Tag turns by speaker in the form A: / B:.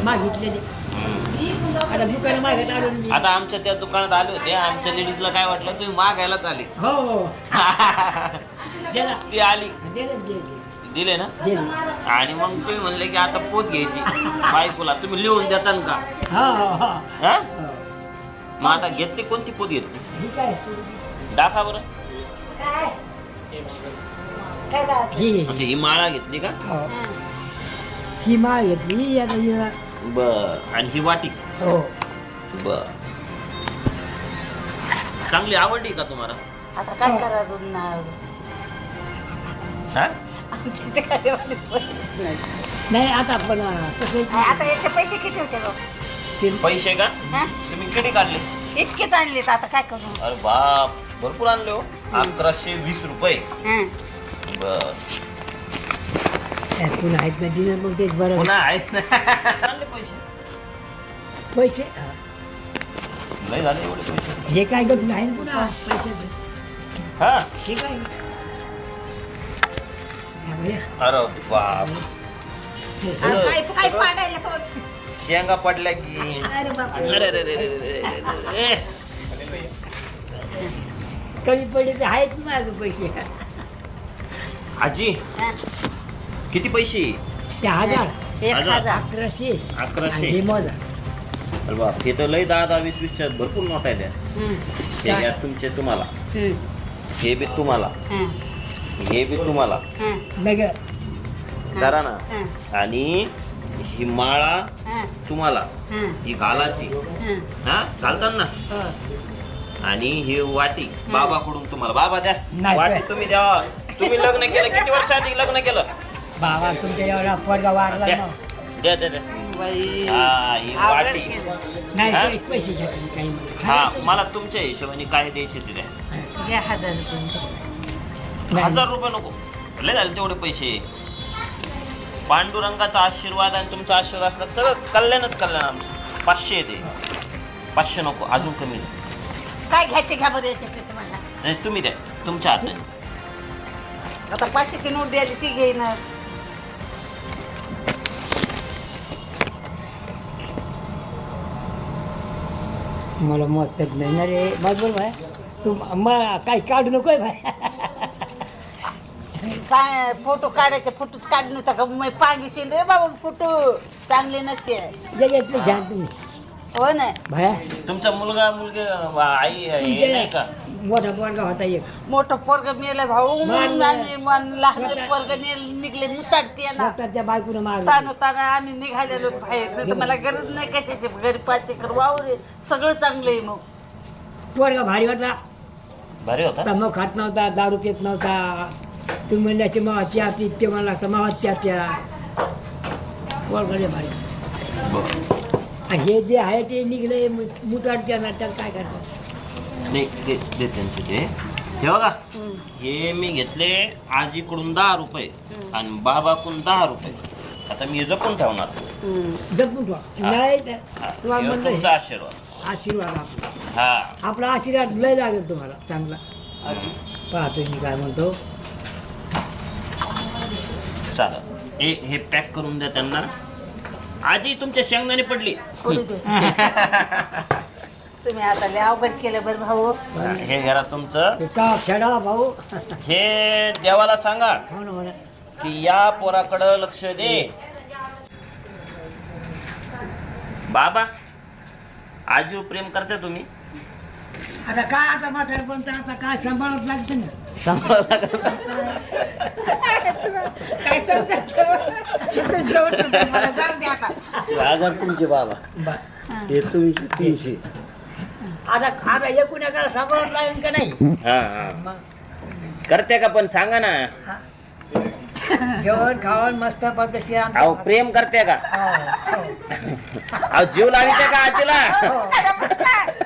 A: मागितलेले आता दुकान मागत आलो मी.
B: आता आमच्या त्या दुकानात आले होते, आमच्या लेडीजला काय वाटलं तुम्ही मागायलाच आले.
A: हो दिला
B: ती आली
A: दिले
B: दिले ना.
A: दिले
B: आणि मग तुम्ही म्हणले की आता पोत घ्यायची बायकोला, तुम्ही लिहून देताल का?
A: हा हा हा
B: हा? मग आता घेतली कोणती पोत घेतली?
A: ठीक आहे
B: दाखवा बरं.
A: ही
B: म्हणजे ही माळा घेतली का?
A: ही माळ घेतली आता हिला.
B: बर. आणि ही वाटी?
A: हो
B: बर. चांगली आवडली का तुम्हाला?
C: आता काय करायचं
B: हा?
A: नाही आता पण कसं
C: आता याचे पैसे किती होते बघ?
B: पैसे का?
C: हा?
B: तुम्ही किती काढले?
C: इतकेच आणलेत, आता काय करू?
B: अरे बाप, भरपूर आणले हो. 1120 रुपये.
C: हं.
B: बर.
A: पुन्हा आहेत ना दिलं मग तेच बरं.
B: पुन्हा आहेत ना. आणले पैसे?
A: पैसे
B: नाही झाले एवढे पैसे.
A: हे काय गप नाही ना पुन्हा पैसे
B: हा?
A: हे काय हा भैया.
B: अरे बाप.
C: काय पाडायला तोच.
B: शेंगा पडल्या की.
C: अरे बापरे.
B: अरे रे रे रे रे रे रे.
A: कमी पडले तर आहेत ना माझे पैसे
B: आजी
C: हं.
B: किती पैसे?
A: ते 1000
C: एक
B: हजार.
A: 1100
B: 1100.
A: हे मोजा
B: अरे बाप, हे तर लय 10 20 20च्या भरपूर नोट आहे त्या.
C: हं.
B: हे घ्या तुमचे तुम्हाला,
C: हं.
B: हे बी तुम्हाला,
C: हं.
B: हे बी तुम्हाला.
C: हं.
A: नगर
B: करा ना.
C: हं.
B: आणि ही माळा
C: हं.
B: तुम्हाला,
C: हं.
B: ही घालाची.
C: हं.
B: हा घालतात ना.
C: हो.
B: आणि ही वाटी बाबाकडून तुम्हाला. बाबा द्या
A: नाही,
B: वाटी,
A: नाही.
B: तुम्ही द्या. तुम्ही लग्न केलं किती वर्षांनी लग्न केलं?
A: बाबा तुमच्या एवढा पोरगा वारला
B: द्या
A: ना
B: द्या द्या द्या.
C: बाई.
B: हा, ही
C: आवडलं
B: वाटी.
C: केलं.
A: नाही
B: हा?
A: ते पैसे घेतले काही नाही.
B: हा, मला तुमच्या हिशोबाने काय द्यायचे ते द्या.
C: घ्या 1000 रुपये.
A: नाही.
B: 1000 रुपये नको, लय झाले तेवढे पैसे. पांडुरंगाचा आशीर्वाद आणि तुमचा आशीर्वाद असला तर सगळं कल्याणच कल्याण आमचं. 500 येते. 500 नको, अजून कमी द्या.
C: काय घ्यायचे घ्या बरं याच्यातले तुम्हाला.
B: नाही तुम्ही द्या तुमच्या हाताने.
C: आता 500ची नोट द्यायली ती घेईन.
A: मला मत येत नाही ना रे मग बोल भाई तू मला काही काढू नकोय भाई
C: काय फोटो काढायचे, फोटोच काढणे तर का मग पांगीशी रे बाबा, फोटो चांगले नसते.
A: जगातले घ्या तुम्ही
C: हो ना.
A: भाया
B: तुमचा मुलगा मुलगी आई हे नाही का?
A: मोठा पोरगा होता एक
C: मोठं पोरग मेलं भाऊ,
A: मारलं.
C: आणि लहान पोरग निघले मुताडते ना.
A: त्या बायकोनं मारलं
C: ताना ताना आम्ही निघालेलो बाहेर, नाही तर मला गरज नाही कशाची. घरी 5 एकर वावर आहे, सगळं चांगलं आहे. मग
A: पोरगा भारी होता
B: भारी होता.
A: तंबाखू खात नव्हता, दारू पित नव्हता. तुम्ही म्हणल्याचे मावा चहा पीत ते मला लागतं मावा चहा प्या. पोरगा लय भारी. आणि हे जे आहे ते निघले मुताडच्या ना त्याला काय करतात.
B: नाही दे दे त्यांचे ते. हे बघा, हे मी घेतले आजीकडून 10 रुपये आणि बाबाकडून 10 रुपये. आता मी हे जपून ठेवणार.
A: जपून ठेवा. नाही तर
B: हा,
A: तुम्हाला
B: हे
A: म्हणलं
B: तुमचा आशीर्वाद.
A: आशीर्वाद आपला
B: हा.
A: आपला आशीर्वाद लय लागेल तुम्हाला चांगला. पाहतो मी काय म्हणतो.
B: चालेल. हे पॅक करून द्या त्यांना. आजी तुमच्या शेंगदाणे पडली.
C: पुढे दे. तुम्ही आता लय अवघड केलं बरं भाऊ.
B: हे घरा तुमचं.
A: ते का खेळा भाऊ.
B: हे देवाला सांगा
A: हो ना म्हणा.
B: की या पोराकडं लक्ष दे. बाबा आजीवर प्रेम करते तुम्ही?
A: आता काय आता म्हातारे पण तर आता काय सांभाळत लागतं ना.
C: काय समजत मला जाऊ दे आता.
D: 1000 तुमचे बाबा, हे तुमचे 300.
A: आता आता एकूण एकाला सांभाळत लागेल का नाही.
B: हा हा करते का पण सांगा ना.
A: जेवण खावण मस्त पद्धती.
B: अहो प्रेम करते का? अहो जीव लाविते का आजीला?